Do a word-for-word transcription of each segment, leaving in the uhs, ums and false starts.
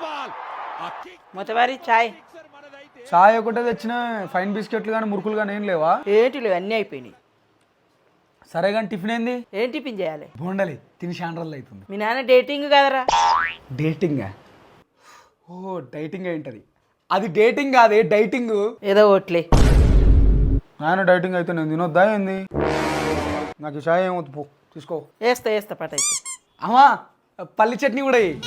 మొత్తవారి చాయ్ చాయ్ ఒకటే తెచ్చిన ఫైన్ బిస్కెట్లు కానీ మురుకులు కానీ ఏం లేవా? ఏంటి లేవు అన్నీ అయిపోయినాయి. సరే కానీ టిఫిన్ ఏంది? ఏం టిఫిన్ చేయాలి? బోండాలి తిని షాండ్రల్ అవుతుంది. మీ నాన్న డేటింగ్ కదరా? డేటింగ్? ఓ డైటింగ్ ఏంటది? అది డేటింగ్ కాదే డైటింగ్. ఏదో ఓట్లే. నాయన డైటింగ్ అయితే నేను తినొద్దా ఏంది? నాకు ఈ చాయ్ ఏమవుతుంది పో తీసుకో. వేస్తా వేస్తా పట అయితే. అమ్మా పల్లి చట్నీ కూడా వేయి.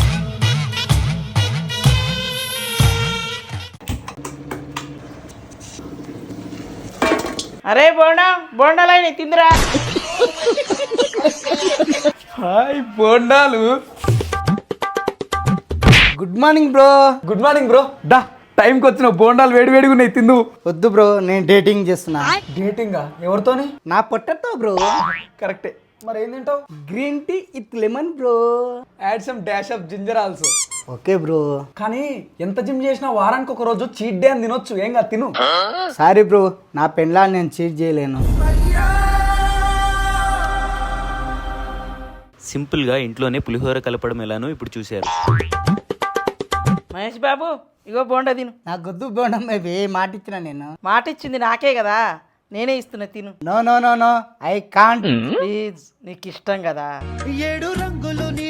అరే బోండా బోండాలైనా తిందిరా. హాయ్ బోండాలు. Good morning bro. Good morning bro. డా టైంకి వచ్చిన బోండాలు వేడి వేడిగా ఉన్నాయి తిందు. వద్దు బ్రో నేను డేటింగ్ చేస్తున్నా. డేటింగా? ఎవరితోని? నా పొట్టతో బ్రో. కరెక్టే. మరి ఏం తింటావు? Green tea with lemon bro. Add some dash of ginger also. Okay bro. కానీ ఎంత జిమ్ చేసినా వారానికి ఒక రోజు చీట్ డే అని తినొచ్చు. ఏం కాదు తిను. సారీ బ్రో నా పెళ్ళాన్ని నేను చీట్ చేయలేను. సింపుల్గా ఇంట్లోనే పులిహోర కలపడం ఎలానో ఇప్పుడు చూశారు. మహేష్ బాబు ఇగో బోండా తిను. నాకు వద్దు బోండం బేబీ మాట ఇచ్చిన నేను. మాట ఇచ్చింది నాకే కదా, నేనే ఇస్తున్నా తిను. No no no no I can't. Please నీకు ఇష్టం కదా. ఏడు రంగులు నీ